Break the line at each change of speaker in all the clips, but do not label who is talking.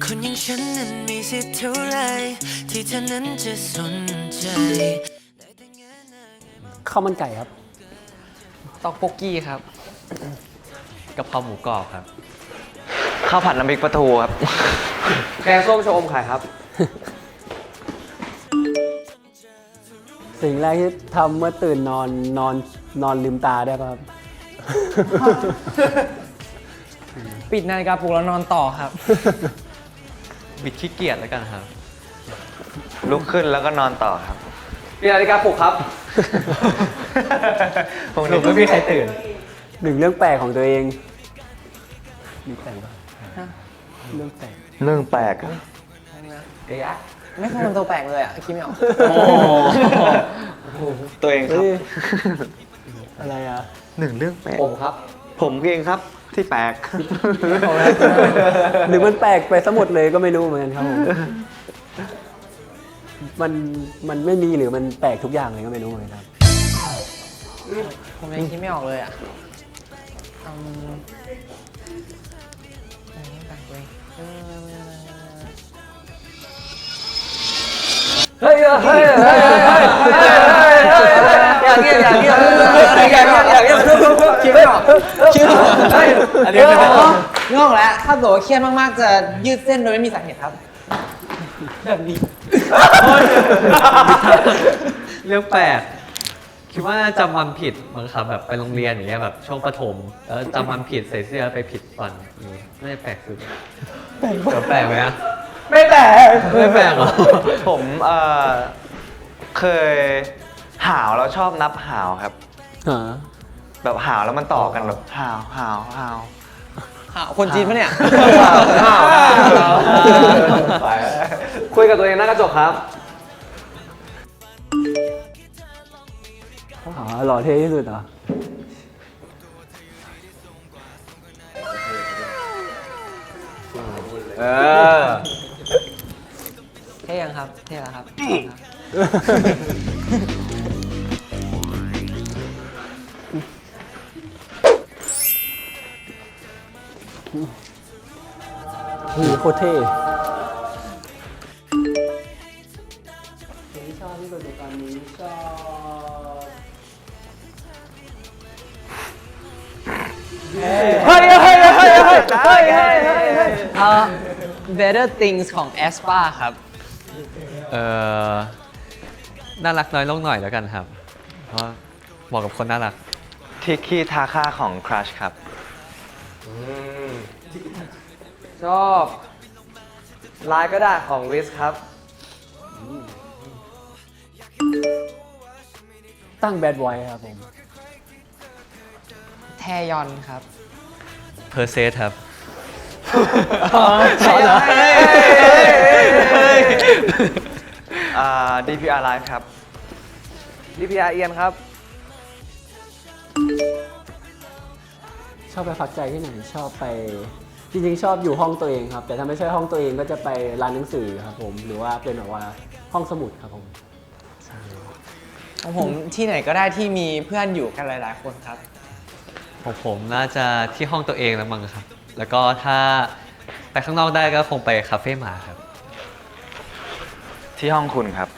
คนอย่างฉันนั้นมีสิทธิ์เท่าไรที่เธอนั้นจะสนใจ
ข้าวมันไก่ครับ
ต๊อกโปกกี้ครับกะเพราหมูกรอบครับ
ข้าวผัดน้ำพริกปลาทูครับ
แกงส้มชะอมไข่ครับ
สิ่งแรกที่ทำเมื่อตื่นนอนลืมตาได้ป่ะครับ
ปิดนาฬิกาปลุกแล้วนอนต่อครับ
บิดขี้เกียจแล้วกันครับ
ลุกขึ้นแล้วก็นอนต่อครับ
ปิดนาฬิกาปลุกครับ
พวก
หนู
นี้
ไม่มีใครตื่น
หนึ่งเรื่องแปลกของตัวเองมีแปลกป่ะเรื่องแปลก
เรื่องแปลกอะ
เดี๋ยวไม่เคยทำตัวแปลกเลยอ่ะคิดไม่ออก
ตัวเองครับ
เฮ้ยอะไรอ่ะ
หนึ่งเรื่องแปลก
ผมครับ
ผมเองครับที่แปลก
หรือมันแปลกไปซะหมดเลยก็ไม่รู้เหมือนกันครับผมมันไม่มีหรือมันแปลกทุกอย่างเลยก็ไม่รู้เหมือนกันครับ
ผมยังคิดไม่ออกเลยอ่ะเฮ้ยเฮ้ยเฮ้ยอย่าเงียบคิดไม่ออกอันนี้เป็นงงแล้วถ้าบอกว่าเครียดมากๆจะยืดเส้นโดยไม่มีสาเหตุครับแบบนี้
เรื่องแปลกคิดว่าจำวันผิดบางครับแบบไปโรงเรียนอย่างเงี้ยแบบช่วงประถมแล้วจำวันผิดใส่เสื้อไปผิดวันนี้น่าจะแปลกสุดแปลกไหมอะ
ไม่แปลก
ไม่แปลกเหรอ
ผมเคยหาวแล้วชอบนับหาวครับ แบบหาวแล้วมันต่อกันแบบหาวหาวหาว
คนจีนปะเนี่ย
คุยกับตัวเองหน้ากระจกครับ
อ๋อหล่อเท่ที่สุดเหรอ
เท่ยังครับ เท่แล้วครับ
โคตรเท่เพลงที่ชอบที่สุดในตอนนี้ชอบ
Better Things ของ aespa ครับ
น่ารักน้อยลงหน่อยแล้วกันครับ เพราะเหมาะกับคนน่ารัก
ทิกกี้ทาค่าของ Crush ครับ
ชอบลายก็ได้ของ Riz ครับ
ตั้งแบดไว้ครับผม
แทยอนครับ
เพอร์เซสครับ
ใช่เหรอ
DPR Live ครับ
DPR เอียนครับ
ชอบไปพักใจที่ไหนชอบไปจริงๆชอบอยู่ห้องตัวเองครับ แต่ถ้าไม่ใช่ห้องตัวเองก็จะไปร้านหนังสือครับผมหรือว่าเป็นแบบว่าห้องสมุดครับผม
ของผมที่ไหนก็ได้ที่มีเพื่อนอยู่กันหลายๆคนครับ
ของผมน่าจะที่ห้องตัวเองแล้วมั้งครับ แล้วก็ถ้าไปข้างนอกได้ก็คงไปคาเฟ่หมาครับ
ที่ห้องคุณครับ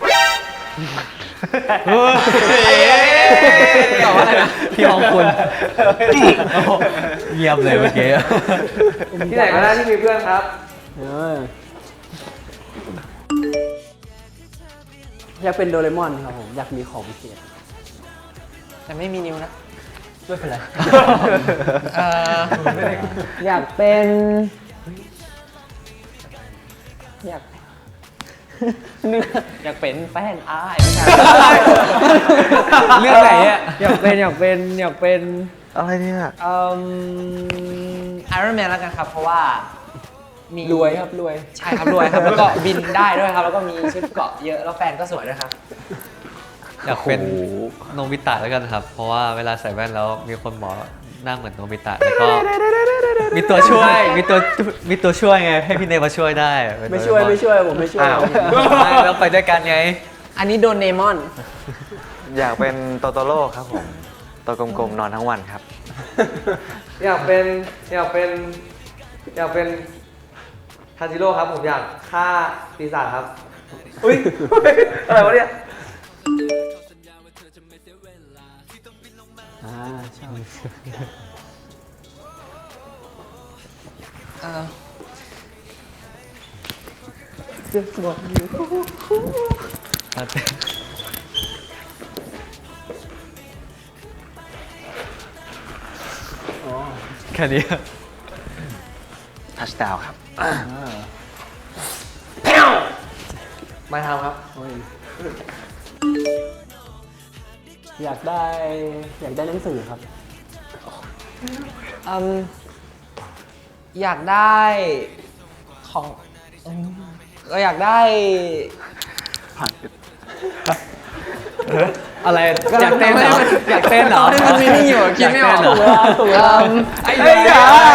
ตอบว่าอะไรนะ
ที่ห้องคุณเงียบเลยเมื่อกี้
ที่ไหนก็ได้ที่มีเพื่อนครับ
อยากเป็นโดเรมอนครับผมอยากมีของพิเศษ
แต่ไม่มีนิ้วนะ
ไม่เป็นไร
อยากเป็นอยากอยากเป็นแฟนอ้ายไม่ใช่เรื่องไหนอ่ะอยากเป็น
อะไรเนี่ย
ไอรอนแมนแล้วกันครับ เพราะว่ามี
รวยครับรวย
ใช่ครับรวยครับ แล้วก็บินได้ด้วยครับ แล้วก็มีชุดเกราะเยอะแล้วแฟนก็สวยด้วยครับ
อยากเป็นโนบิตะแล้วกันครับ เพราะว่าเวลาใส่แว่นแล้วมีคนบอกหน้าเหมือนโนบิตะแล้วก็มีตัวช่วยมีตัวช่วยไงให้พี่เนยมาช่วยได้เป็น
ไม่ช่วย
โดเรอน
ไม่ช่วยผมไม่ช่วย
อ้าว
ไม่แล้วไปด้วยกันไง
อันนี้โดนเนมอน
อยากเป็นโตโตโร่ครับผม ตัวกลมๆนอนทั้งวันครับ
อยากเป็น
ทาจิโร่ครับผมอยากฆ่าปีศาจครับ อุ้ย อะไรวะเนี่ย
ใช่
แค่นี้
ทัชดาวครับ
ไม่ทำครับ
อยากได้หนังสือครับ
อยากได้ของก็อยากได้
อะไรอยากเต้นเหรออยากเต้นเหรอ
มันมีนี่อยู่คิดไม่ออก
ยากเต้นเหรอ
ไอ้เฮ้ย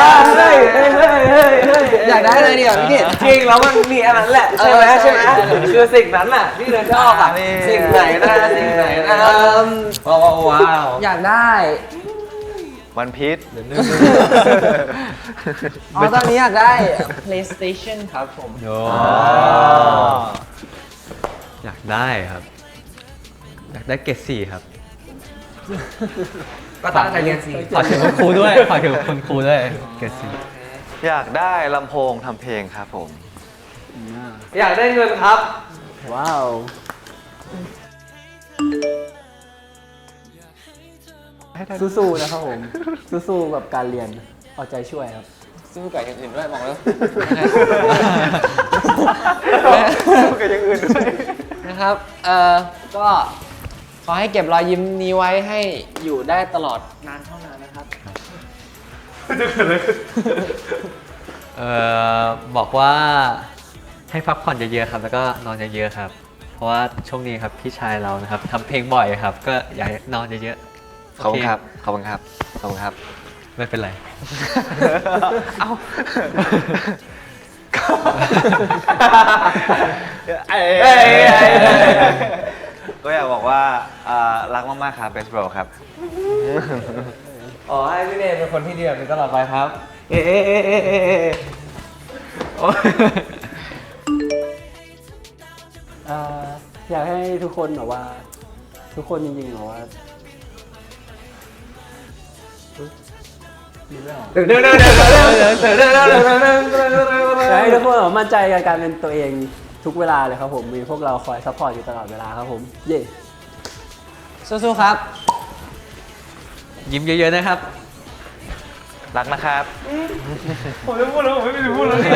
อยากได้อะไรดีอ่ะพี่กิต
จริงแล้วมันมีอันนั้นแหละ ใช่ไหมใช่ไหมคือสิ่งนั้นน่ะที่เธอชอบอ่ะสิ่งไหนนะสิ่งไหนนะว้าว
อยากได้
วันพีช
ตอนนี้อยากได้ PlayStation ครับผม
โอ้อยากได้ครับ อยากได้เกรด4ครับ
ก็ตั้งใจเรียนสิ
ฝากถึงคุณครูด้วยฝากถึงคุณครูด้วยเกรด4
อยากได้ลำโพงทำเพลงครับผม
อยากได้เงินครับ
ว้าว สู้ๆนะครับผม สู้ๆกับการเรียน เอาใจช่วยครับ
สู้กับอย่างอื่นด้วยบอกแล้ว
สู้กับอย่างอื่นด้วย
นะครับ ก็ขอให้เก็บรอยยิ้มนี้ไว้ให้อยู่ได้ตลอดนานเท่านานนะครับ
บอกว่าให้พักผ่อนเยอะๆครับ แล้วก็นอนเยอะๆครับ เพราะว่าช่วงนี้ครับพี่ชายเรานะครับทำเพลงบ่อยครับ ก็อยากให้นอนเยอะๆ
ขอบคุณ
โเ
ครับ ขอบคุณครับ ขอบคุณครับ
ไม่เป็นไร
เอ้า ก็อยากบอกว่ารักมากๆครับเบสโบรครับ
อ๋อให้พี่เนยเป็นคนที่ดีแบบนี้ตลอดไปครับ
อยากให้ทุกคนแบบว่า ทุกคนจริงๆแบบว่าอยากให้ทุกคนแบบมั่นใจกับการเป็นตัวเองทุกเวลาเลยครับผม มีพวกเราคอยซัพพอร์ตอยู่ตลอดเวลาครับผม เย่
สู้ๆครับ
ยิ้มเยอะๆนะครับ
รักนะครับ
ผมจะพูดแล้วผมไม่ได้พูดแล้วนี่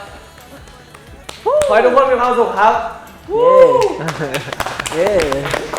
ขอให้ทุกคนมีความสุขครับ
เย่